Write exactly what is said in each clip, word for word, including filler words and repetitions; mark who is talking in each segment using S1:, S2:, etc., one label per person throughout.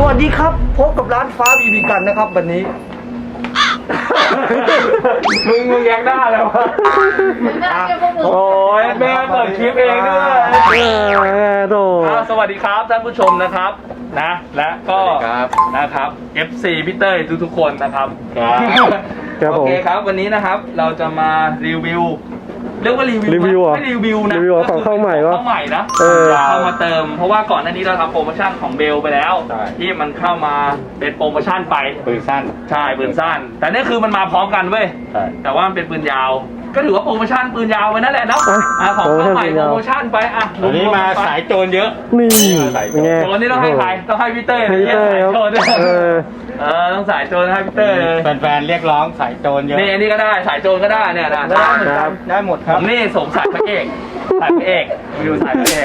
S1: วัสดีครับพบกับร้านฟ้าบีบีกันนะครับวันนี้
S2: มึงมึงแยกได้แล้ววะโอ้ยแม่เปิดคลิปเองด้วย
S1: โด
S2: สวัสดีครับท่านผู้ชมนะครับนะและก็นะครับ เอฟ ซี พี่เต้ยทุกๆคนนะครับโอเคครับวันนี้นะครับเราจะมารีวิวเรียกว่ารีวิว
S1: รีวิวอ่ะ
S2: ไม่รีวิวนะ
S1: รีวิวของเข้าใหม่วะ
S2: เข้าใหม่นะ
S1: เออ
S2: เข้ามาเติมเพราะว่าก่อนหน้านี้เราทำโปรโมชั่นของเบลไปแล้วที่มันเข้ามาเป็นโปรโมชั่นไป
S3: ปืนสั้น
S2: ใช่ปืนสั้นแต่นี่คือมันมาพร้อมกันเว้ยแต่ว่ามันเป็นปืนยาวก็ถือว่าโปรโมชั่นปืนยาวไปนั่นแหละเนาะของเข้าใหม่โปรโมชั่นไปอ่ะ
S3: วันนี้มาสายโจรเยอะ
S1: นี่เป็นไง
S2: โจรนี่ต้องให้ใครต้องให้พี่เต้ย
S1: ให้พี่เต้ยครับ
S2: โจร
S1: เออ
S2: เออต้องสายโจรให้พี่เต้ยเลย
S3: แฟนๆเรียกร้องสายโจรเยอะ
S2: นี่อันนี้ก็ได้สายโจรก็ได้เนี่ยนะได้เหมือนกันได้หมดครับนี่สงสายพระเอกสายพระเอกวิวสายพระเอก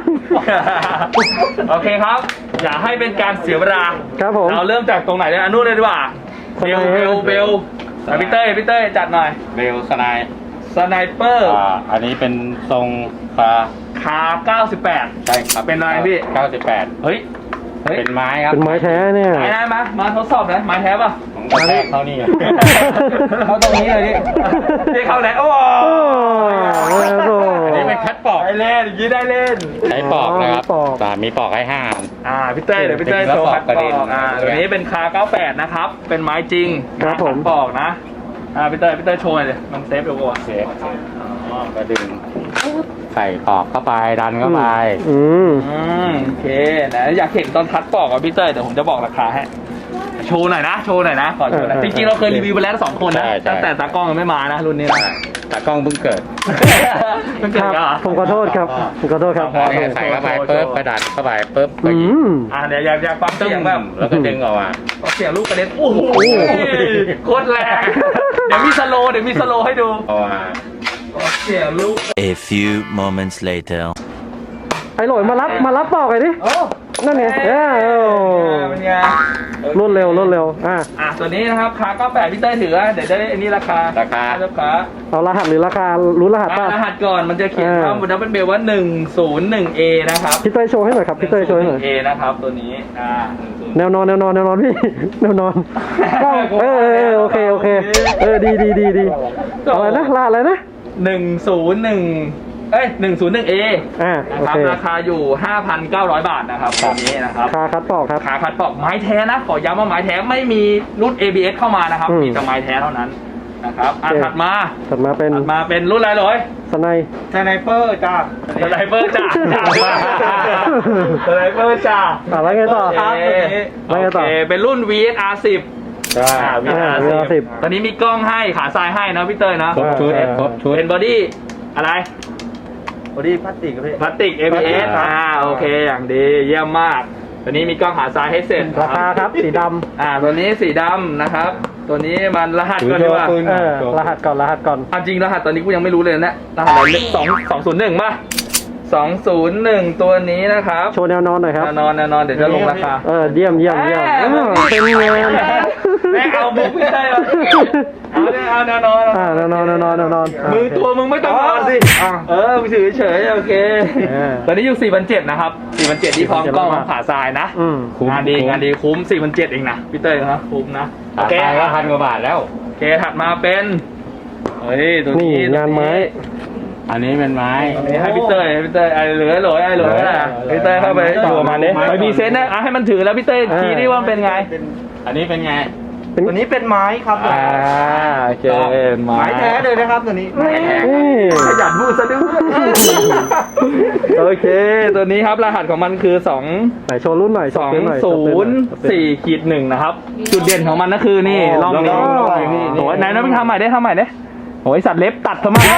S2: โอเคครับอย่าให้เป็นการเสียเวลา
S1: ครับผม
S2: เราเริ่มจากตรงไหนเนี่ยอันนู้นเลยดีกว่าเบลเบลเบลพี่เต้ยพี่เต้ยจัดหน่อย
S3: เบลสไนป์
S2: สไนเปอร์
S3: อ่าอันนี้เป็นทรงคา
S2: คาเก้าสิบแปด
S3: ใช่ครับ
S2: เป็นอะไรพี่
S3: เก้าสิบแปด
S2: เฮ้ยเฮ้ย
S3: เป็นไม้ครับ
S1: เป็นไม้แท้เนี่ย
S2: ไม้ได้ไหมมาทดสอบนะไม้แท้ป่ะ
S3: ผมกระแทกเข้านี่
S2: เข้าตรงนี้เลยดิที่เข้าไหนโอ้
S1: โอ้โห
S3: อันนี้เป็นคัดปอก
S2: ได้เล่นยี่ได้เล่น
S3: ใช้ปอกนะครับ
S1: ปอก
S3: แต่มีปอกให้ห้าอัน
S2: อ่าพี่เต้ยเดี๋ยวพี่เต้ย
S3: เป็น
S2: โชว์
S3: ก
S2: ขั
S3: ระ
S2: ด
S3: ปอก
S2: ป
S3: กระดิ่
S2: อง กอ่าตัวนี้เป็นคาเก้าแปดนะครับเป็นไม้จริง
S1: ครับผม
S2: ขัดปอกนะอ่าพี่เต้ยพี่เต้ยโชว์หน่อยเลยมันเซฟดูก่อน
S3: โอเคก็ดึงใส่ปอกเข้าไปดันเข้าไป
S1: อืม
S2: อืมโอเคนะอยากเห็นตอนคัดปอกกับพี่เต้ยเดี๋ยวผมจะบอกราคาให้โชว์หน่อยนะโชว์หน่อยนะขอโชว์หน่อยจริงๆเราเคยรีวิวไปแล้วสองคนนะตั้งแต่ตากล้องยังไม่มานะรุ่นนี้นะ
S3: ตากล้องเพิ่งเกิด
S2: มันเกิด
S1: ครับ
S2: เหรอ
S1: ผมขอโทษครับผมขอโทษครับ
S3: พอเนี่ยใส่เข้าไปปุ๊บกระดาษเข้าไปปุ๊บก็
S1: อื
S3: ยิง
S1: ม
S2: อ่าเดี๋ยวอยากอยากฟัง
S3: ตึ้
S2: เสียง
S3: ง
S2: แบบ
S3: แล้วก็ดึงออกมา
S2: เสียงลูกกระเด็นโอ้โหโคตรแรงเดี๋ยวมีสโลว์เดี๋ยวมีสโลว์ให้ดู
S3: ออกมา
S2: เสียงลูก
S4: A few moments later.
S1: ไอ้หลอยมารับมารับปอกไอ้ดิ
S2: โอ้
S1: นั่นไงเออ
S2: เป็นไง
S1: รวดเร็วรวดเร็วอ่ะ
S2: อ่ะตัวนี้นะครับคาเก้าแปดพี่เต้ยถือเดี๋ยวจะได้อันนี้ราคา
S3: ราคา
S2: ราคา
S1: เอารหัสหรือราคารู้รหัสป่ะ
S2: รหัสก่อนมันจะเขียนว่าบนดับเบิลเบลว่าหนึ่งศูนย์หนึ่งเอนะครับ
S1: พี่เต้ยโชว์ให้หน่อยครับพี่เต้ยโชว์ให้หน่อย
S2: เอนะครับตัวนี้อ่า
S1: แนวนอนแนวนอนแนวนอนพี่ แนวนอนเออเออเออโอเคโอเคเออดีดีดีดีอะไรนะรหัสอะไรนะ
S2: หนึ่งศูนย์หนึ่งเอ้ยหนึ่งศูนย์หนึ่งเอ
S1: อ่า
S2: นะ
S1: โอ
S2: ครับ
S1: เค
S2: ราคาอยู่ ห้าพันเก้าร้อย บาทนะครับตัวนี้นะครับ
S1: คาคัดปอกครับ
S2: ขาขัดปอกไม้แท้นะขอย้ำว่าไม้แท้ไม่มีรุ่น เอ บี เอส เข้ามานะครับ
S1: อืม
S2: มีแต่ไม้แท้เท่านั้นนะครับอ่ะ
S1: โอเค
S2: ถัดมา
S1: ถัดมาเป็น
S2: ถัดมาเป็นรุ่นอะไรเลย
S1: สไน
S2: สไนเปอร์จ้าสไนเปอร์จ้าสไนเปอร์จ้า
S1: อ่ะแล้วไงต่อ
S2: โอเค
S1: แล้วไงต่อ
S2: โอเคเป็นรุ่น วี เอส อาร์ สิบ
S3: ใช่
S2: อ่า วี เอส อาร์
S1: วี
S2: สิบ
S1: สิบ
S2: ตอนนี้มีกล้องให้ขาซ้ายให้นะพี่เต้ยนะ
S3: ครบชุด
S1: เออ
S3: ครบชุด
S2: เป็นบอดี้อะไร
S1: บอดี้พลาสติกพี่
S2: พลาสติก เอ บี เอส
S3: ครับ
S2: อ่าโอเคอย่างดีเยี่ยมมากตัวนี้มีกล้องขาซ้ายให้เสร็จ
S1: ราคาครับสีด
S2: อ่าตัวนี้สีดำนะครับ ตัวนี้มันรหัส
S3: ถือ
S2: ก่อนดีกว่า
S3: โชว์ปืน
S1: ำเออรหัสก่อนรหัสก่อน
S2: ความจริงรหัสตอนนี้กูยังไม่รู้เลยนะรหัสอะไรสองสองศูนย์หนึ่งป่ะสองศูนย์หนึ่งตัวนี้นะครับ
S1: โชว์แนวนอนหน่อยครับ
S2: แน่นอนแน่นอนเดี๋ยวจะลงราคา
S1: เออเยี่ยมเยี่ยมเยี่ยม
S2: แหม่
S1: เออเป็นไง
S2: แม่เอามุกไม่ได้หรอกเอาเนี่ยเอาแน่นอน
S1: อ่าแนวนอนแนวนอนแนวนอน
S2: มือตัวมึงไม่ต้องนอนสิเออมึงถือเฉยๆโอเค
S1: เออ
S2: ตอนนี้อยู่สี่พันเจ็ดนะครับสี่พันเจ็ดที่พร้อมกล้องของขาทรายนะ
S1: อืม
S3: คุ้ม
S2: งานดีงานดีคุ้มสี่พันเจ็ดเองนะพี่เต้ยนะคุ้มนะโอ
S3: รา
S2: เค
S3: คาก็พันกว่าบาทแล้ว
S2: โอเคถัดมาเป็นเฮ้ยตัว
S1: นี่
S2: นี้
S1: งานไม้
S3: อันนี้เป็นไม้
S2: ตัวนี้ให้พี่เต้ยให้พี่เต้ยไอ้เหลือเหลือไอ้เหลือนะพี่เต้ยเข้าไปอยู่มาเนี่ยไปมีเซนต์นะอ่ะให้มันถือแล้วพี่เต้ยชี้ดิว่ามันเป็นไง
S3: อันนี้เป็นไง
S1: ตัวนี้เป็นไม้ครับ
S2: อ่าโอเคไม้แท้เลยนะครับตัวนี้
S1: นี่
S2: ขยันพูดซะด้วยโอเค ตัวนี้ครับรหัสของมันคือสอง
S1: ไหนโชว์รุ่นหน่อย
S2: สอง
S1: หน่อย
S2: ศูนย์สี่ขีดหนึ่งนะครับ จุดเด่นของมันก็คือนี่ร่องนี้
S1: ร่อง
S2: นี่โอ้ยไหนนะมึงทำใหม่ได้ทำใหม่ได้โอ้ยสัตว์เล็บตัดทำไม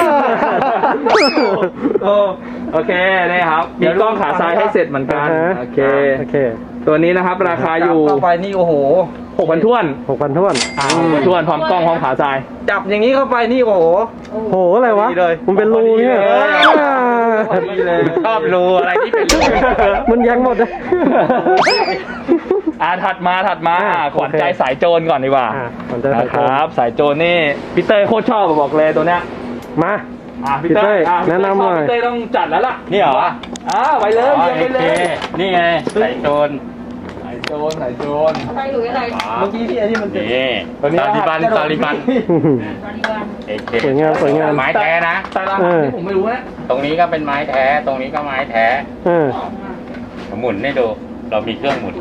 S2: โอ้โอเคนี่ครับมีกล้องขาซ้ายให้เสร็จเหมือนกันโอเค
S1: โอเค
S2: ตัวนี้นะครับราคาอยู่
S1: เข้าไปนี่โอ้โห
S2: หกพันท้วน
S1: หกพันท้วน
S2: อ่าหกพันท้วนพร้อมกล้องพร้อมขาซ้าย
S1: จับอย่างนี้เข้าไปนี่โอ้โหโหอะไรวะมันเป็นรูเนี่ย
S3: ชอบรูอะไรที่เป็นรู
S1: มันยังหมดเลย
S2: อ่าถัดมาถัดมา
S1: อ่า
S2: ขวัญใจ
S1: โอเค
S2: สายโจรก่อนดีกว่า
S1: อ่ะมันจะ
S2: นะ
S1: ใส่
S2: ค
S1: โชว์
S2: รับสายโจรนี่พี่เต้ยโคตรชอบอะบอกเลยตัวเนี้ย
S1: มา
S2: อ่าพี่
S1: พี่เต้
S2: เต้
S1: ย
S2: ยอ่ะ
S1: แนะนำหน่อย
S2: พี่เต้ยต้องจัดแล้วล่ะ
S3: นี่เหรอ
S2: อ่าไปเลย
S3: อ๋อ
S2: เรียนไป
S3: โอ
S2: เล
S3: เค
S2: ย
S3: นี่ไงใส่โจร
S2: สายโจโจรสายโจร
S5: อะไรหรืออะไร
S2: เมื่อกี้ที่ไอ้นี่มันเป็น
S3: นี่
S2: ตัวนี้
S3: ซาลิบัน
S2: รหัส
S3: ซาลิบัน
S5: ตาลีบัน
S3: เอเค
S1: สวยงามสวยงาม
S3: ไม้แท้นะ
S2: แต่รหัสที่ผมไม่รู้นะ
S3: ตรงนี้ก็เป็นไม้แท้ ตรงนี้ก็ไม้แท้
S1: เออ
S3: หมุนให้ดู เรามีเครื่องหมุน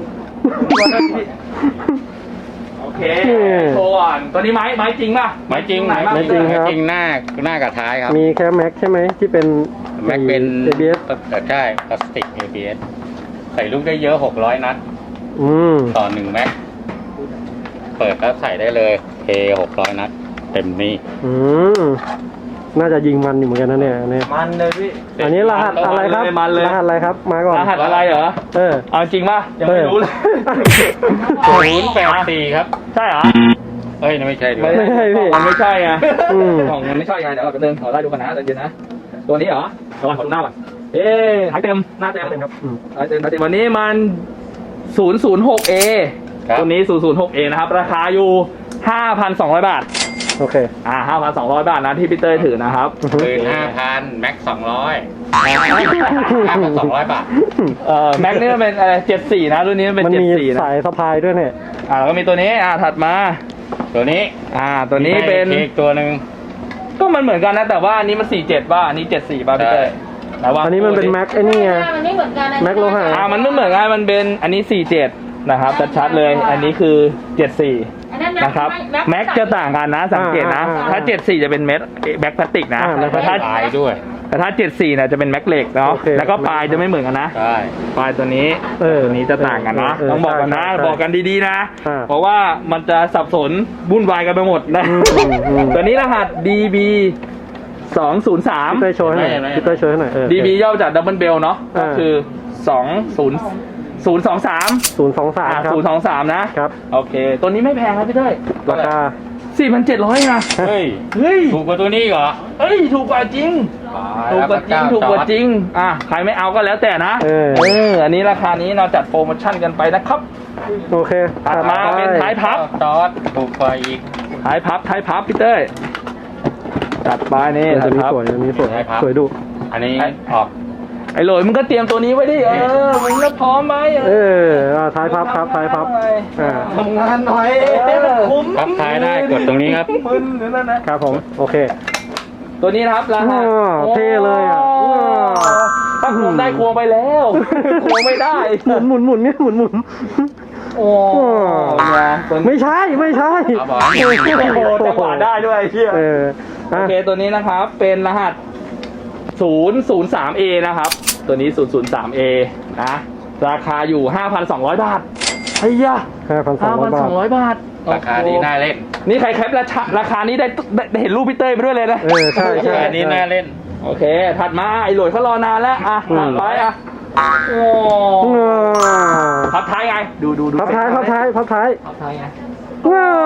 S2: โอเคโชว์ก่อนตัวนี้ไม้ไม้จริงป่ะ
S3: ไม้จริง
S2: ไหนบ้าง
S3: ไม้
S1: จริงครับ
S3: จริงหน้าหน้ากับท้ายครับ
S1: มีแค่แม็กใช่ไหมที่เป็น
S3: แม็กเป็น
S1: เอ บี เอส
S3: แต่ใช่พลาสติก เอ บี เอส ใส่ลูกได้เยอะหกร้อยนัด
S1: อืม
S3: ต่อหนึ่งแม็ก เปิดแล้วใส่ได้เลยเทหกร้อยนัด เต็มนี่
S1: อืมน่าจะยิงมันอยู่เหมือนกันนะเนี่ยอันนี้
S2: มันเลยพี่
S1: อันนี้รหัสอะไรครับ
S2: มันเลย
S1: รหัสอะไรครับมาก่อน
S2: รหัสอะไรเหรอ
S1: เออ
S2: เอาจริงป่ะยังไม่รู้เลย
S3: ศูนย์แปดสี่ครับ
S2: ใช่เหรอ
S3: เอ้ยนั่นไม่ใช่ด้ว
S1: ไม่
S3: ย
S1: ใช่พี่
S2: มันไม่ใช่ไง
S1: อืม
S2: ของมันไม่ใช่ไงเดี๋ยวเราไปเดินขอไล่ดูกันนะใจเย็นนะ ตัวนี้เหรอระวังขอดูหน้าก่อนเอ๊ะหายเต็มหน้าเต็มครับ
S1: อืม
S2: หายเต็มหายเต็มวันนี้มัน ศูนย์ ศูนย์ หก เอ
S3: ครับ
S2: ตัวนี้ ศูนย์ ศูนย์ หก เอ นะครับ ราคาอยู่ ห้าพันสองร้อย บาท
S1: โอเค
S2: อ่า ห้าพันสองร้อย บาทนะที่พี่เต้ยถือนะครับ
S3: ปืนห้าพันแม็กสองร้อยห้าพันสองร้อยบาท
S2: เอ่อ แม็กนี่มันเป็นอะไรเจ็ดสี่นะ รุ่นนี้มันเป็น
S1: มัน
S2: เจ็ด
S1: มี
S2: สี่นะ
S1: สายสะพายด้วยเนี่ย
S2: อ่าแล้วก็มีตัวนี้ อ่า ถัดมา
S3: ตัวนี้
S2: อ่า ตัวนี้เป็น
S3: มีอีกตัวหนึ่ง
S2: ก็มันเหมือนกันนะ แต่ว่าอันนี้มันสี่เจ็ดป่ะอันนี้เจ็ดสี่ป่ะพี่เต้ยแต่ว่า
S1: อันนี้มันเป็นแม็กไอ้นี่ไง
S5: มันไม่เหมือนกันนะ
S1: แม็กโลหะ
S2: อ่า มันไม่เหมือนกันมันเป็นอันนี้สี่เจ็ดนะครับชัดๆเลย อันนี้คือเจ็ดสี่
S5: อันนั้น
S2: นะครับแม็กจะต่างกันนะสังเกตนะ
S1: อ่า
S2: ถ้าเจ็ดสี่จะเป็นเม็ดแม็กพลาสติกนะ
S1: อ่าแม็กพลา
S2: แต่
S1: สติก
S2: ถ้า
S3: ลายด้วย
S2: แต่ถ้าเจ็ดสี่เนี่ยจะเป็นแม็กเหล็กเนาะ
S1: โอเค
S2: แล้วก็ปลายจะไม่เหมือนกันนะ
S3: ใช่
S2: ปลายตัวนี้
S1: เออ
S2: ตัวนี้จะต่างกันนะ
S1: เออ
S2: ต้องบอกกันนะ
S1: ใช่ใช่
S2: บอกกันดีๆนะ
S1: อ่า
S2: เพราะว่ามันจะสับสนวุ่นวายกันไปหมดนะ
S1: อืมอืม
S2: ตัวนี้รหัส ดี บี สอง ศูนย์ สาม
S1: พี่เต้ยโชว์ให้หน่อย
S3: ไม่ไม่
S1: พี่เต้ยโชว์ให้หน่อยเออ
S2: ดี บี ย่อมาจากดับเบิลเบลเนาะก็
S1: อ่า
S2: คือสอง ศูนย์ ศูนย์ สอง สาม
S1: ศูนย์สองสามครับ
S2: ศูนย์ สอง สามนะครับ โอเค ตัวนี้ไม่แพงครับพี่เต้ย
S1: ราคา
S2: สี่พันเจ็ดร้อยนะ
S3: เฮ้ย
S2: เฮ้ย
S3: ถูกกว่าตัวนี้เหรอ
S2: เฮ้ย ถูกกว่าจริง ถูกกว่าจริง ถูกกว่าจริง อ่ะ ใครไม่เอาก็แล้วแต่นะ
S1: เออ
S2: เออ อันนี้ราคานี้เราจัดโปรโมชั่นกันไปนะครับ
S1: โอเค
S2: ถัดมาเป็นท้ายพับ
S3: จอดถูกกว่าอีก
S2: ท้ายพับท้ายพับพี่เต้ยจัดไปนี่
S1: เออ
S2: ท้า
S1: ตัวย นี้
S2: พับ
S1: สวยตัวนี้สวย
S3: ใช่ครับ
S1: สวยดุ
S3: อันนี้
S2: ไอ้
S3: ออก
S2: ไอ้โหลยมึงก็เตรียมตัวนี้ไว้ดิ เออ มึงก็พร้อมไหม
S1: เอออ่าท้ายพับครับท้ายพับอ่า
S2: ทำงานหน่อยคุ้ม
S3: พับท้ายได้กดตรงนี้ครับ
S2: มึนหรือนั่นนะครับ
S1: ผมโอเค
S2: ตัวนี้นะครับรหัส
S1: อ้าวเท่เลยอ่ะ
S2: โ
S1: ว้าว
S2: ถ้าควงได้ควงไปแล้ว ควงไม่ได้
S1: หมุนหมุนหมุนเนี่ยหมุนหมุน
S2: โอ้ยตัวนี้
S1: ไม่ใช่ไม่ใช่
S3: เอาบอก
S2: โอ้โหจังหวะได้ด้วยไอ้เหี้ย
S1: เออ
S2: โอ
S1: อ่ะ
S2: เคตัวนี้นะครับเป็นรหัส ศูนย์ ศูนย์ สาม เอ นะครับ ตัวนี้ ศูนย์ ศูนย์ สาม เอ นะ ราคาอยู่ ห้าพันสองร้อย บาทไอ้ยะ
S1: ห้าพันสองร้อยบาท
S2: ห้าพันสองร้อย บาท
S3: ราคานี้น่าเล่น
S2: นี่ใครแคปราคาราคานี้ได้ได้ได้เห็นรูปพี่เต้ยไปด้วยเลยนะ
S1: เออใช่ใช่
S3: ราคานี้น่าเล่น
S2: โอเค ถัดมาไอ้โหลยเขารอนานแล้ว อ่ะ
S1: อืม
S2: ถัดไปอ่ะ โอ้
S1: ว้าว
S2: พับท้ายไง ดูดูดู
S1: พับท้ายพับท้ายพับท้าย
S2: พับท้ายไง
S1: ว้าว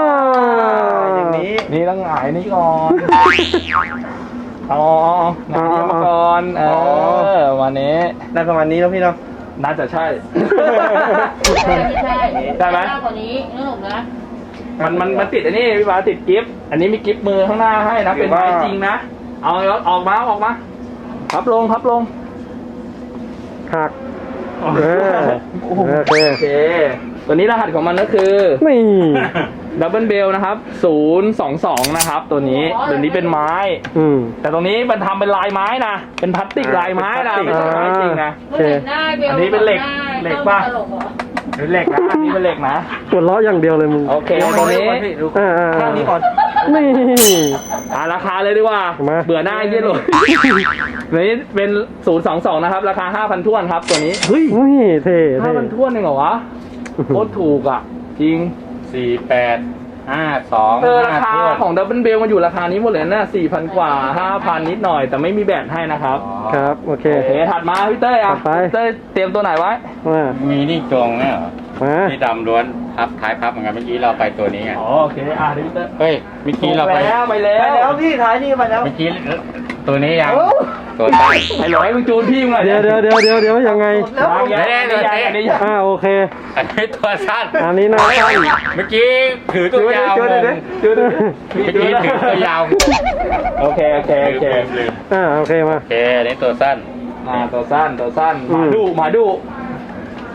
S2: อย่างนี้ นี่ต้องหงายนี่ก่อนอ๋อหงายนี่มาก่อน เออ วันนี้
S1: น่าประมาณนี้แล้วพี่เนาะ
S2: น่าจะใช่
S5: ใช่ใช่
S2: ได้ไหม
S5: กว่านี้นึกออกนะ
S2: มันมันมันติดอันนี้พี่บาสติดกิฟต์อันนี้มีกิฟต์มือข้างหน้าให้นะ เป็นไม้จริงนะ เอาเอาออกมาออกมา พับลงพับลง
S1: หักเออโอเค
S2: โอเค ตัวนี้รหัสของมันก็คือ
S1: นี่
S2: ดับเบิลเบลนะครับ ศูนย์ สอง สอง นะครับ ตัวนี้ตัวนี้เป็นไม้
S1: อืม
S2: แต่ตรงนี้มันทำเป็นลายไม้นะ เป็นพลาสติกลายไม้นะ ไม่ใช่ไม้จริงนะ
S1: โอเค
S2: อันนี้เป็นเหล็กเหล็กป่ะ เป็นเหล็กนะ อันนี้เป็นเหล็กนะ
S1: ปวดล้ออย่างเดียวเลยมึง
S2: โอเคตัวนี้
S1: อ่าอ่า
S2: ข้างนี้ก่อน
S1: นี่
S2: อ่าราคาเลยดีกว่า
S1: มา
S2: เบื่อหน้าไอ้เยี่ยหลยนี้เป็น ศูนย์ สอง สอง นะครับ ราคา ห้าพัน ท้วนครับ ตัวนี้ เฮ้ย
S1: อุ้ยเท่เท่
S2: ห้าพัน ท้วนเองเหรอวะ โคตรถูกอ่ะ จริง
S3: สี่แปดห้าสอง
S2: เออรา
S3: ห้า
S2: คา
S3: ถ้วน
S2: ของดับเบิลเบลมันอยู่ราคานี้หมดเลยนะสี่พันกว่า ห้าพัน นิดหน่อย แต่ไม่มีแบตให้นะครับ
S1: ครับโอเค
S2: โอเค ถัดมาพี่เต้ยอ่ะ
S1: ถัดไป
S2: พี่เต้ยเตรียมตัวไหนไว้
S1: มา
S3: มีนี่ตรงเนี่ยเหรอ
S1: มา
S3: ที่ดำล้วนพับท้ายพับเหมือนกันเมื่อกี้เราไปตัวนี้ไง
S2: อ๋อโอเค อ่ะเดี๋ยวพี่เต้ย
S3: เฮ้ยเมื่อกี้เราไป
S2: แล้วไปแล้ว
S6: ไปแล้วพี่ท้ายนี่ไปแล้ว
S3: เมื่อกี้ตัวนี้ยังตัวใต้
S2: ไอ้หลอยมึงจูนพี่มึงหน่อย
S1: เดี๋ยวเดี๋ยวเดี๋ยวเดี๋ยวเดี๋ยวยังไง
S2: ยังยังยังยังยังยัง
S1: อ่าโอเค
S3: อันนี้ตัวสั้น
S1: อันนี้นะสั้น
S3: เมื่อกี้ถือตัวยาวงง
S2: จูน
S3: เมื่อกี้ถือตัวยาวงง
S2: โอเคโอเคโอเค
S3: ลืมลืม
S1: อ่าโอเคมา
S3: โอเคอันนี้ตัวสั้น
S2: อ่าตัวสั้นตัวสั้น
S1: อื
S2: ห
S1: ม
S2: มาดุหมาดุ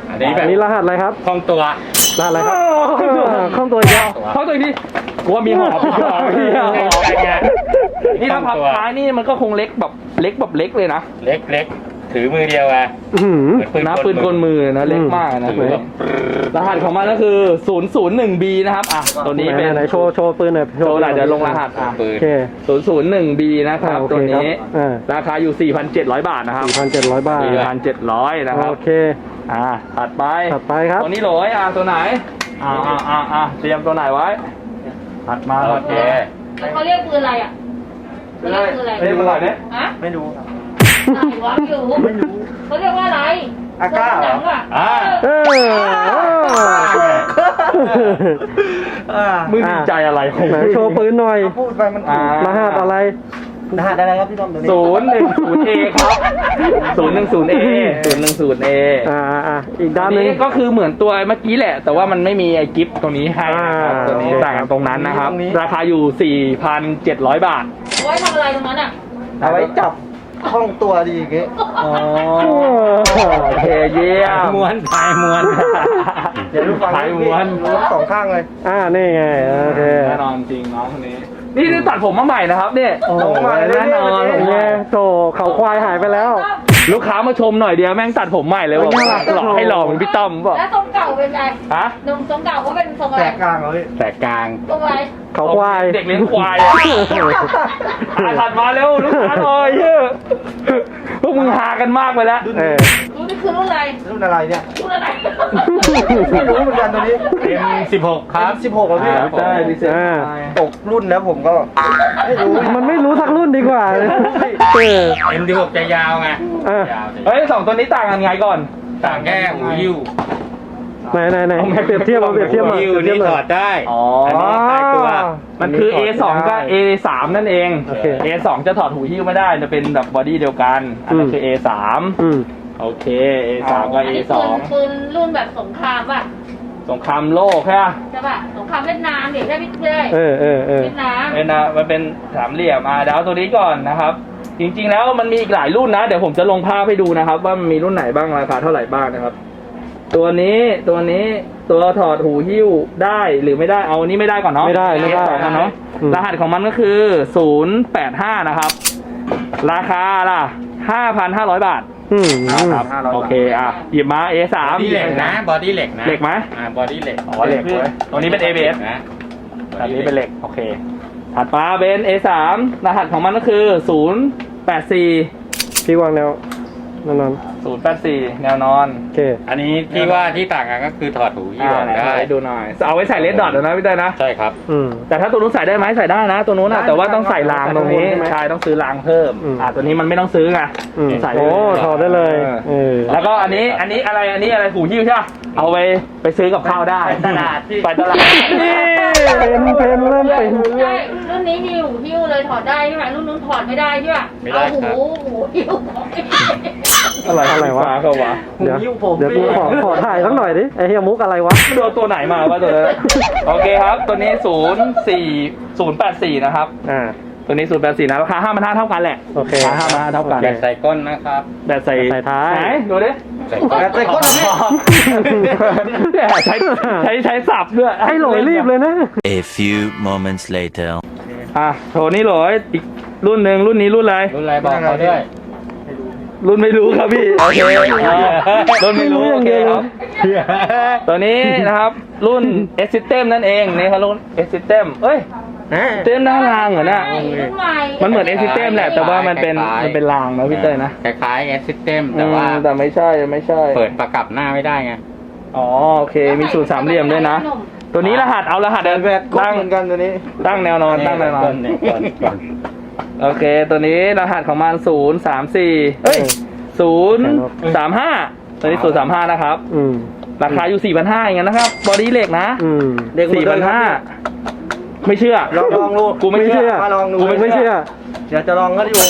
S3: อันนี้แบ
S1: อั
S3: บ
S1: นนี้รหัสอะไรครับ
S3: คล่องตัว
S1: รหัสอะไรครับข้องตัวอีกแล้ว
S2: เขาตัวนี้กลัวมีหอบกลัวมีหอบนี่ถ้าพับท้ายนี่มันก็คงเล็กแบบเล็กแบบเล็กเลยนะ
S3: เล็กเล็กถือมือเดียวอะ
S1: อื้อหือ
S3: เหมือน
S2: นะปืนกลมือนะเล็กมากนะ
S3: ถือแบบ
S2: รหัสของมันก็คือ ศูนย์ ศูนย์ หนึ่ง บี นะครับอ่ะตัวนี้เป็น
S1: ไหไหนๆโชว์โชว์ปืนหน่อย
S2: โชว์หน่อยเดี๋ยวลงรหัสอ่ะ
S3: ปื
S1: โอน เค
S2: ศูนย์ ศูนย์ หนึ่ง บี นะครับ
S1: อ่าโอเค
S2: ตัวนี้
S1: ครับอ่า
S2: ราคาอยู่ สี่พันเจ็ดร้อย บาทนะครับ
S1: สี่พันเจ็ดร้อยบาท
S2: สี่พันเจ็ดร้อยนะครับ
S1: โอเค
S2: อ่าถัดไป
S1: ถัดไปครับ
S2: ตัวนี้โหลยอ่ะตัวไหนอ่าอ่าอ่าอ่าเตรียมตัวไหนไว้ถัดมา
S3: โอ
S2: ถัด
S3: เค
S2: มา
S5: แล้วเขาเรียกปืนอะไรอ่ะเขาเรียกปืนอะไร
S2: เฮ้ยมันอะไรเนี่ย
S5: ฮะ
S2: ไม่รู้ครับ
S5: ไหนวะไม่รู้ไม่รู้เขาเรียกว่าอะไร
S2: อาก้าเหรอ
S5: หนังอ่ะ
S2: อ่า
S1: เออ
S2: มึงดีใจอะไรของ
S1: ไหนโชว์ปืนหน่อย
S2: พูดไปมันอ่าร
S1: หัสอะไร
S2: รหัสอะไรครับพี่ต้อมตัวนี้ศูนย์หนึ่งศูนย์เอครับศูนย์หนึ่งศูนย์เอศูนย์หนึ่งศูนย์เอ
S1: อ่าอ่าอีกด้าน
S2: อัน
S1: หนึง
S2: นี้ก็คือเหมือนตัวเมื่อกี้แหละ แต่ว่ามันไม่มีไอ้กิฟต์ตรงนี้ให้นะครับ
S1: อ่า
S2: ตัวนี้
S1: โอเค
S2: ต่างกันตรงนั้นนะครับ ราคาอยู่ สี่พันเจ็ดร้อย บาท
S5: เอาไว้ทำอะไรตรงนั้นอ่ะ
S6: เอาไว้จับห้องตัวดีอย่างเงี้ย
S2: อ๋อโอเคเยี่ยม
S3: ม้วนพายม้วน
S6: เดี๋ยวดูฟัง
S2: ขายม้วน
S6: รู้สองข้างเลย
S1: อ่านี่ไงโอเค
S2: แน่นอนจริงน้องคนนี้ นี่นี่ตัดผมมาใหม่นะครับเนี่ย
S1: โอ้โห
S2: แน่นอน
S1: เป็นไงโถเขาควายหายไปแล้ว
S2: ลูกค้ามาชมหน่อยเดียวแม่งตัดผมใหม่เลยบอกว่าหล่อให้หล่อเหมือนพี่ต้อมบอก
S5: แล้วทรงเก่าเป็นไง
S2: ฮะ
S5: นมทรงเก่าก็เป็นทรงอะไร
S6: แตกกลางเลย
S3: แตกกลาง
S5: ทรงอะไร
S1: เขาควาย
S2: เด็กเลี้ยงควายอะอ่ะถัดมาเร็วลูกค้าหน่อยเฮ้ยพวกมึงหากันมากไปแล้ว
S1: เออ
S5: รุ่นนี้คือรุ่นอะไร
S6: รุ่นอะไรเนี่ย
S5: รุ่นอะไร
S6: ไม่รู้เหมือนกันตัวนี้
S3: เอ็มสิบหกครับ
S6: สิบหกอ่ะพี่
S2: อ่าได้ดิเซน
S1: อ่า
S6: ตกรุ่นแล้วผมก็ไม่รู้
S1: มันไม่รู้สักรุ่นดีกว่าเออ
S3: เอ็มสิบหกจะยาวไง
S1: อ่ะ
S3: ยาวสิ
S2: เฮ้ยสองตัวนี้ต่างกันไงก่อน
S3: ต่างแค่หูยิ้ว
S1: ไหนไหนไหนเปรียบเทียบมาเปรียบเทียบ
S3: หู
S1: มา
S3: ยิ้ว
S1: เปรียบเทีย
S3: นี่
S1: บมา
S3: ถอดได้
S2: อ๋อ
S3: อันนี้ตายตัว
S2: มันคือ เอ สอง กับ เอ สาม นั่นเอง
S1: โอเค
S2: เอ สอง จะถอดหูหิ้วไม่ได้ จะเป็นแบบบอดี้เดียวกัน อันนั้นคือ เอ สาม
S1: อืม
S2: โอเค เอ สาม กับ
S5: อัน
S2: เอ
S5: นี้
S2: ส
S5: ปื
S2: อน ง
S5: ปืนรุ่นแบบสงครามป่ะ
S2: สงครามโลกใช่ไหม
S5: ใช่ป่ะสงครามเวียดนามเด็กได้พี่เลย
S1: เออเออเออ
S5: เวียดนาม
S2: เป็นนะมันเป็นสามเหลี่ยมอ่ะเดี๋ยวเอาตัวนี้ก่อนนะครับ จริงๆแล้วมันมีอีกหลายรุ่นนะ เดี๋ยวผมจะลงภาพให้ดูนะครับ ว่ามันมีรุ่นไหนบ้างราคาเท่าไหร่บ้างนะครับ ตัวนี้ตัวนี้ตัวถอดหูหิ้วได้หรือไม่ได้เอาอันนี้ไม่ได้ก่อนเนาะ
S1: ไม่ได้ไม่ได้
S2: เอสองเนาะ
S1: อืม
S2: รหัสของมันก็คือศูนย์แปดห้านะครับ ราคาล่ะห้าพันห้าร้อยบาท
S1: อืม
S2: ครับโอเคอ่ะหยิบมา เอ สาม
S3: บอดี้เหล็กนะ บอดี้เหล็กนะ
S2: เหล็กไหม
S3: อ่า บอดี้เหล็ก
S2: อ๋อเหล็กเว้ยตัวนี้เป็น เอ บี เอส
S3: นะ
S2: อันนี้เป็นเหล็ก โอเค ถัดมาเป็น เอ สาม รหัสของมันก็คือศูนย์แปดสี่
S1: พี่วางแนวนั่นนั่น
S2: ศูนย์แปดสี่แนวนอน
S1: โอเค
S3: อันนี้ที่ว่าที่ต่างกันก็คือถอดหูยิ้ว
S2: อ่า
S3: ออก
S2: ไหน
S3: ได้
S2: ให้ดูหน่อย เอาไว้ใส่เลดดอทนะพี่เต้ยนะ
S3: ใช่ครับ
S1: อืม
S2: แต่ถ้าตัวนู้นใส่ได้ไหมใส่ได้นะ ตัวนู้นนะแต่ว่าต้องใส่รางตรงนี้
S1: ใส่ข้างบนใช่ไหม
S2: ใช่ต้องซื้อรางเพิ่ม
S1: อืม
S2: อ่าตัวนี้มันไม่ต้องซื้อไง
S1: อืม
S2: ใส่
S1: โอ้ถอดได้เลยเออ
S2: แล้วก็อันนี้อันนี้อะไรอันนี้อะไรหูหิ้วใช่ปะเอาไปไปซื้อกับข้าวได้
S6: ไปตลาดที่
S2: ไปตลาด
S1: นี่เป็นเป็นเริ่มเป็น
S5: ใช่รุ่นนี้มีหูหิ้วเลยถอดได้ใช่ไหมรุ่นนู้นถอดไม่ได้ใช่ป่ะ
S3: ไม่ได้
S5: เอา
S3: ครับ
S5: หูหูหิ้วของ
S1: อะไรอะไรวะ
S2: ฟ้าเขาวะ
S1: เดี๋ยว
S6: หิ้วผม
S1: เดี๋ยวกูขอขอถ่ายสักหน่อยดิไอ้เฮียมุกอะไรวะ
S2: โดนตัวไหนมาวะตัวนั้นโอเคครับ ตัวนี้ศูนย์สี่ศูนย์แปดสี่นะครับ
S1: อ่า
S2: ตัวนี้ศูนย์แปดสี่นะราคาห้าพันห้าเท่ากันแหละ
S1: โอเค
S2: ราคาห้าพันห้าเท่ากัน
S3: แบบใส่ก้นนะครับ
S2: แบบใส่
S1: ใส่ท้าย
S2: ไหนดูดิ
S3: ใส่ก้น
S6: แต่ใส่ก้นเหรอพี่
S2: เนี่ยใช้ใช้ใช้สับด้วย
S1: ไอ้หลอยรีบเลยนะ
S4: A few moments later.
S2: อ่ะโถนี่หลอยอีกรุ่นหนึ่งรุ่นนี้รุ่นอะไร
S3: รุ่นอะไรบอกเขาด้วย
S2: รุ่นไม่รู้ครับพี่โอเคอ่ารุ่นไม่รู้
S1: ไม่รู้อ
S2: โอย่าง เค
S1: เดียว
S2: ครับตัวนี้นะครับรุ่น S System นั่นเองนี่ครับรุ่น S System เอ้ย เต็มหน้ารางเหรอเนี่ย
S5: ใช่รุ่นใหม่
S2: มันเหมือน S System แหละแต่ว่ามันเป็นมันเป็นรางนะพี่เต้ยนะ
S3: คล้ายๆ S System แต่ว่า
S2: อืมแต่ไม่ใช่ไม่ใช่
S3: เปิดประกับหน้าไม่ได้ไง
S2: อ๋อโอเคมีสูตรสามเหลี่ยมด้วยนะ ตัวนี้รหัสเอารหัส
S6: แต่แบบก้น
S2: ตั้ง
S6: เหมือนกันตัวนี้
S2: ตั้งแนวนอนตั้งแนวนอน
S3: เนี่ยก่อนก่อน
S2: โอเค ตัวนี้รหัสของมันศูนย์สามสี่เอ้ยศูนย์สามห้าตัวนี้ศูนย์สามห้านะครับ
S1: อืม
S2: ราคาอยู่สี่พันห้าอย่างนั้นนะครับ บอดี้เหล็กนะ
S1: อืม
S6: เด็กหมด
S2: สี่
S6: เล
S2: พัน
S6: ยครั
S2: ห้า
S6: บ
S2: ไม่เชื่อ
S6: ลองลองดู
S2: กูไม่เชื่อ
S6: มาลองดู
S2: กู
S1: ไม่เชื่อ
S6: เดี๋ยวจะลองก็อยู่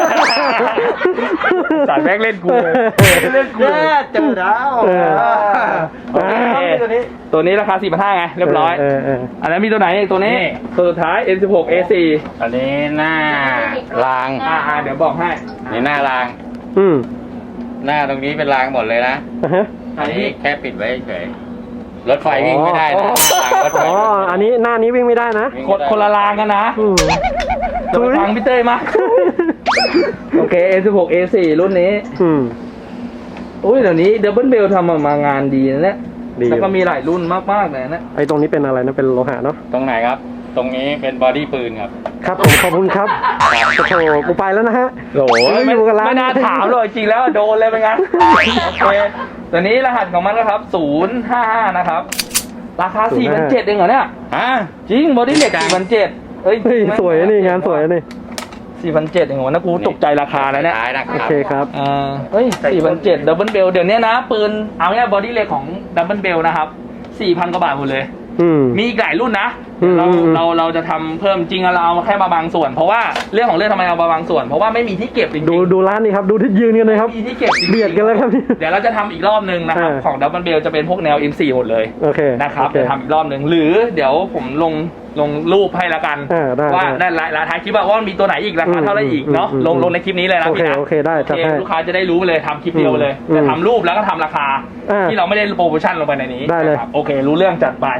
S2: สายแม่งเล่นกูเลยเล่นกู
S6: แย่เจอแล้ว
S1: เออ
S6: โอเคครับพี่ตัวนี้
S2: ตัวนี้ราคาสี่พันห้าไงเรียบร้อย
S1: เออเออ
S2: อันนั้นมีตัวไหนอีกตัวนี้ตัวสุดท้าย เอ็ม สิบหก เอ สี่
S3: อันนี้หน้าราง
S2: อ่าอ่าเดี๋ยวบอกให้
S3: นี่หน้าราง
S1: อืม
S3: หน้าตรงนี้เป็นรางหมดเลยนะ
S1: อ่ะฮะ
S2: ไหน
S3: อันนี้แค่ปิดไว้เฉยรถไฟวิ่งไม่ได้นะหลังรถไฟ
S1: อ๋ออันนี้หน้านี้วิ่งไม่ได้นะ
S2: คนคนละรางกันนะ
S1: อืม
S2: เดี๋ยวไปฟังพี่เต้ยมา โอเค เอ สิบหก เอ สี่ รุ่นนี้
S1: อืม
S2: อุ้ยเดี๋ยวนี้ดับเบิลเบลทำออกมางานดีนะเนี่ย
S1: ดี
S2: แล้วก็มีหลายรุ่นมากๆเลยนะ
S1: ไอ้ตรงนี้เป็นอะไรนะเป็นโลหะเนาะ
S3: ตรงไหนครับ ตรงนี้เป็นบอดี้ปืนครับ
S1: ครับผมขอบคุณครับโอ้โหกูไปแล้วนะฮะ
S2: โอ้ย
S1: ไม่
S2: ไม่
S1: อยู่กับร้าน
S2: ไม่น่าถามเลยจริงแล้วโดนเลยเป็นไงโอเคตัวนี้รหัสของมันนะครับศูนย์ห้าห้านะครับ ราคา สี่พันเจ็ด เองเหรอเนี่ย
S3: ฮะ
S2: จริงบอดี้เหล็ก สี่พันเจ็ด เฮ้ย
S1: เฮ้ยสวยนี่งานสวยนี่
S2: สี่พันเจ็ด เองเหรอนะกูตกใจราคาแล้วเนี่ย
S3: ท้ายนะค
S1: โอ
S3: รับ
S1: เคครับ
S2: อ่าเฮ้ย สี่พันเจ็ด ดับเบิลเบลเดี๋ยวนี้นะ ปืน เอาง่ายบอดี้เหล็กของดับเบิลเบลนะครับ สี่พัน กว่าบาทหมดเลย
S1: อืม
S2: มีอีกหลายรุ่นนะ
S1: อืม
S2: เรา
S1: อืม
S2: เราเราจะทำเพิ่มจริงอะเราเอาแค่มาบางส่วน เพราะว่าเรื่องของเรื่องทำไมเอามาบางส่วน เพราะว่าไม่มีที่เก็บจริงๆ
S1: ดูดูร้านนี้ครับดูที่ยืนกันเลยครับ
S2: ไม่มีที่เก็บจริงๆ
S1: เบียดกันแล้วครับ
S2: เดี๋ยวเราจะทำอีกรอบนึงนะครับ
S1: อ่า
S2: ของดับเบิลเบลจะเป็นพวกแนว เอ็ม โฟร์ หมดเลย
S1: โอเค
S2: นะครับ
S1: โอเค
S2: จะทำอีกรอบหนึ่งหรือเดี๋ยวผมลงลงรูปให้ละกัน
S1: อ่าได้
S2: ว่า
S1: ได้
S2: ได้ราคาคลิปว่ามันมีตัวไหนอีกราคาเท่าไหร่อีกเนาะ
S1: อืมอืม
S2: ลงลงในคลิปนี้เลยนะ
S1: โอเค
S2: พี่นะ
S1: โอเคได้
S2: โอ
S1: จัด
S2: เค
S1: ให้
S2: ลูกค้าจะได้รู้เลยทำคลิปเดียวเลย
S1: อืม
S2: จะทำรูปแล้วก็ทำราคา
S1: อ่า
S2: ที่เราไม่ได้โปรโมชั่นลงไปในนี้
S1: ได้เลย
S2: นะครับโอเค รู้เรื่องจัดไป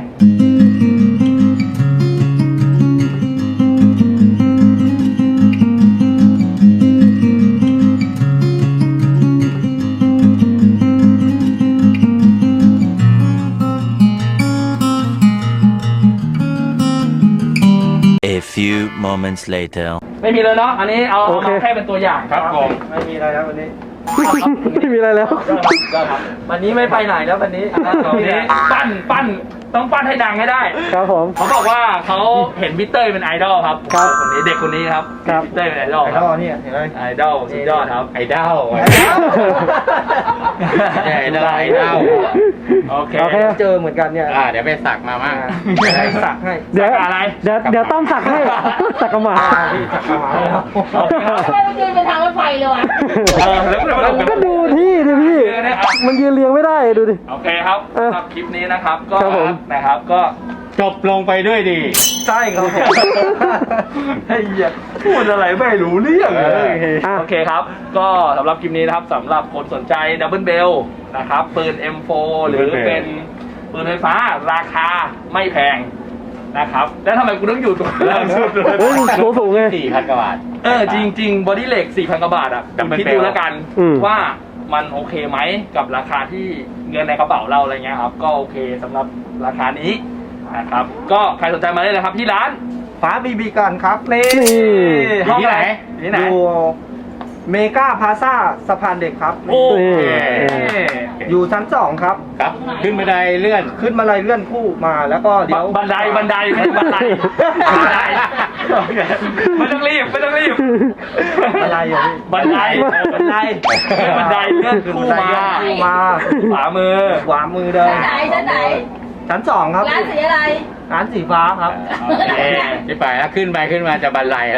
S4: A few moments later.
S2: ไม่มีเลยเนาะอันนี้เอาเอา
S1: โอเค
S2: มาแค่เป็นตัวอย่างครับผม
S6: ไม่มีอะไรแล้ววันนี้
S1: ไม่มีอะไรแล้ว
S2: ก็ครับ
S6: วันนี้ไม่ไปไหนแล้ววันนี้
S2: ตรงนี้ปั้นปั้นต้องปั้นให้ดังให้ได้
S1: ครับผม
S2: เขาบอกว่าเขาเห็นพี่เต้ยเป็นไอดอลครับ
S1: ครับ
S2: คนนี้เด็กคนนี้ครับ
S1: ครับ
S2: พี่เต้ยเป็นไอดอล
S6: ไอ้
S2: ครั
S6: ท่
S2: บ
S6: อเนี่ยเห็นไหม
S2: ไอดอลสุดยอดครับ
S3: ไอดอล
S6: ไอดอล
S3: ใช่ไอดอลไอดอล
S2: โอเค
S1: โอเค
S6: เจอเหมือนกันเนี่ย
S3: อ่าเดี๋ยวไปสักมามั่ง
S6: ให้สักให้
S1: เดี๋ยว
S2: สักอะไร
S1: เดี๋ยวเดี๋ยวต้อมสักให้สักกระหมา
S6: พี่สักกระหมาแล้ว
S2: โอเคครับ
S5: ทำไมมันยืนเป็นทางรถไฟเลยว่ะ
S2: เออแล้วก็
S1: มันก็ดูที่ดิพี่ มันยืนเรียงไม่ได้ดูดิ
S2: โอเคครับ
S1: เออ
S2: สำหรับคลิปนี้นะครับก็
S1: ครับผม
S2: นะครับก็
S3: จบลงไปด้วยดี
S6: ใช่ครับผม
S2: ไอ้เหี้ยพูดอะไรไม่รู้เรื่องเลย
S1: อ่ะ
S2: โอเคครับ ก็สำหรับคลิปนี้นะครับสำหรับคนสนใจดับเบิลเบลนะครับปืน เอ็ม โฟร์ หรือ
S3: Double Bell
S2: เป็นปืนไฟฟ้าราคาไม่แพงนะครับแล้วทำไมกูต้องอยู่ตรงล่างสุดเลย
S1: เฮ้ยสูงสูงไง
S3: สี่พันกว่าบาท
S2: เออจริงจริงบอดี้เหล็ก สี่พัน กว่าบาทอ่ะ
S3: Double
S2: คิดดูแล้วกัน
S1: อืม
S2: ว่ามันโอเคไหมกับราคาที่เงินในกระเป๋าเราอะไรเงี้ยครับ ก็โอเคสำหรับราคานี้นะครับ ก็ใครสนใจมาได้เลยครับที่ร้าน
S6: ฟ้าบีบีกันครับนี่
S1: นี่
S2: ห้อง
S3: ที่ไหน
S2: ที่ไหน
S6: อยู่เมกาพาซ่าสะพานเด็กครับ
S2: โอเค
S6: อยู่ชั้นสองครับ
S3: ครับ ขึ้นบันไดเลื่อน
S6: ขึ้นมาเลยเลื่อนคู่มาแล้วก็เดี๋ยว
S2: บันไดบันไดไม่ใช่บันไดบันไดโอเคไม่ต้องรีบไม่ต้องรีบ
S6: อะไรอย่างนี้
S2: บันไดบันไดบันไดเลื่อนคู่มา
S6: คู่มา
S2: ขวามือ
S6: ขวามือเดิน
S5: ชั้นไหนชั้นไหน
S6: ชั้นสองครับ
S5: ร้านสีอะไร
S6: ร้านสีฟ้าครับ
S2: โอเค
S3: ที่ไปแล้วขึ้นไปขึ้นมาจะบันไลแล้ว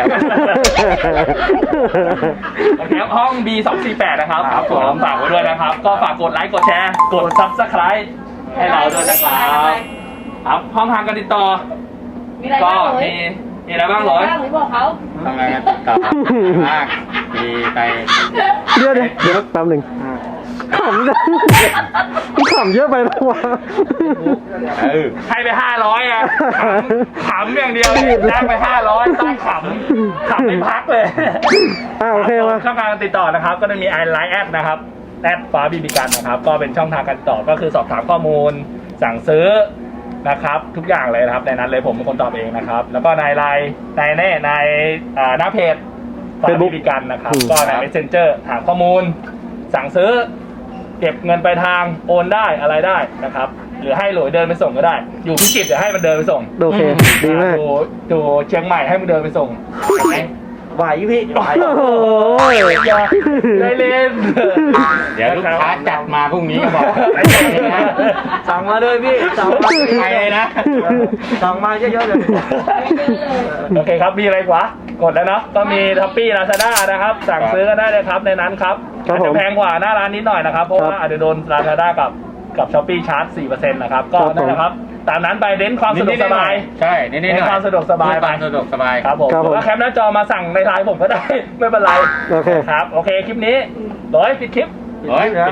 S2: โอเคครับห้อง บี สองสี่แปด นะครับ
S6: ครับผม
S2: ฝากไว้ด้วยนะครับ ก็ฝากกดไลค์ กดแชร์ กด Subscribe ให้เราด้วยนะครับ ครับห้องทางการติดต่อ
S5: มีอะไร
S2: ก็
S5: บ้างหรือ
S2: มีมีอะไรบ้างเหรอ
S5: มีอะไรบ้างหรือบอกเขา
S3: ทำอะไรกันต่อมากมีไป
S1: เดี๋ยวเดี๋ยวเดี๋ยวแป๊บหนึ่งขำจังมึงขำเยอะไปแล้ววะ
S3: เออ
S2: ให้ไปห้าร้อยอ่ะขำขำอย่างเดียวได้ไปห้าร้อยตั้งขำขำไม่พักเลย
S1: อ่าโอเคมา
S2: ช่องทางการติดต่อนะครับ ก็จะมีไอไลน์แอดนะครับแอดฟ้าบีบีกันนะครับ ก็เป็นช่องทางการติดต่อก็คือสอบถามข้อมูล สั่งซื้อนะครับ ทุกอย่างเลยนะครับในนั้นเลยผมเป็นคนตอบเองนะครับ แล้วก็ในไลน์ในแน่ในอ่าหน้าเพจฟ้าบีบีกันนะครับ
S1: อืม
S2: ก็ใน Messenger ถามข้อมูล สั่งซื้อ เก็บเงินไปลายทางโอนได้อะไรได้นะครับ หรือให้หลวยเดินไปส่งก็ได้ อยู่พิจิตรเดี๋ยวให้มันเดินไปส่ง
S1: โอเคดีมาก
S2: ดูดูเชียงใหม่ให้มันเดินไปส่งเห็นไหม
S6: ไหวพี่ไหว
S1: โอ้โห
S2: อย่าได้เล่น
S3: เดี๋ยวลูกค้าจัดมาพรุ่งนี้ก็บอกไอ้เจ้านะ
S6: สั่งมาเลยพี่สั่งมา
S3: ไปเลยนะ
S6: สั่งมาเยอะๆเลย
S2: โอเคครับ มีอะไรกว่ากดแล้วเนาะก็มีทัพปี้ลาซาด้านะครับ สั่งซื้อกันได้เลยครับในนั้นครับ
S1: ครับ
S2: อาจ
S1: ผ
S2: จะ
S1: ม
S2: แพงกว่าหน้าร้านนิดหน่อยนะครับ เพราะ
S1: ครับ
S2: ว่าอาจจะโดนลาซาด้ากับกับช้อปปี้ชาร์จ สี่เปอร์เซ็นต์ นะครับ ก็
S1: ครับผม
S2: นั่นแหละครับ ตามนั้นไปเน้นความสะดวกสบาย
S3: ใช่นี่นี่
S2: เน้นความสะดวกสบาย
S3: ความสะดวกสบาย
S2: ครับผม
S1: ครับ
S2: ห
S1: ผม
S2: รือว่าแคปหน้าจอมาสั่งในไลน์ผมก็ได้ ไม่เป็นไร
S1: โอเค
S2: ครับ โอเค คลิปนี้ร้อยปิดคลิป
S3: โอ้ยปิดคลิป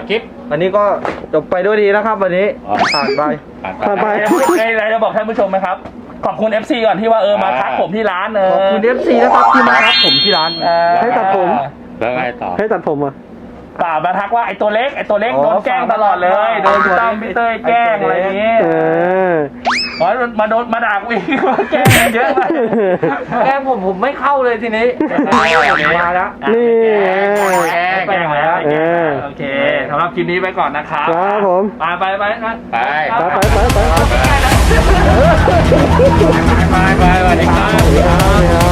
S6: วันนี้ก็จบไปด้วยดีนะครับ วันนี้ผ่านไป
S1: ผ่านไป
S2: ไอ้อะไรจะบอกท่านผู้ชมไหมครับ ขอบคุณ เอฟ ซี ก่อนที่ว่าเออมาทักผมที่ร้านเออ
S6: ขอบคุณ เอฟ ซี นะครับที่มารับผมที่ร้าน
S2: เออ
S1: ให้ตัดผม
S3: แล้วไงต่อ
S1: ให้ตัดผมอ่ะ
S2: ป่ามาทักว่าไอ้ตัวเล็กไอ้ตัวเล็ก
S6: อ๋อ
S2: โดนแกล้งตลอดเลย โดนพี่ตั้มพี่เต้ยแกล้งอะไรอย่างงี้
S1: เออ
S2: อ๋อมาโดนมาด่ากูอีกว่าแกล้งเยอะมาก
S6: แกล้งผมผมไม่เข้าเลยทีนี้มาแล้ว
S1: นี่
S2: แกล้งแกล้งแล้ว
S1: เออ
S2: โอเคสำหรับคลิปนี้ไปก่อนนะครับ
S1: ครับผม
S2: ไปไปไปนะ
S3: ไป
S1: ไปไปไปไป
S3: ไปไปไปสวัสดีครับ
S1: ครับ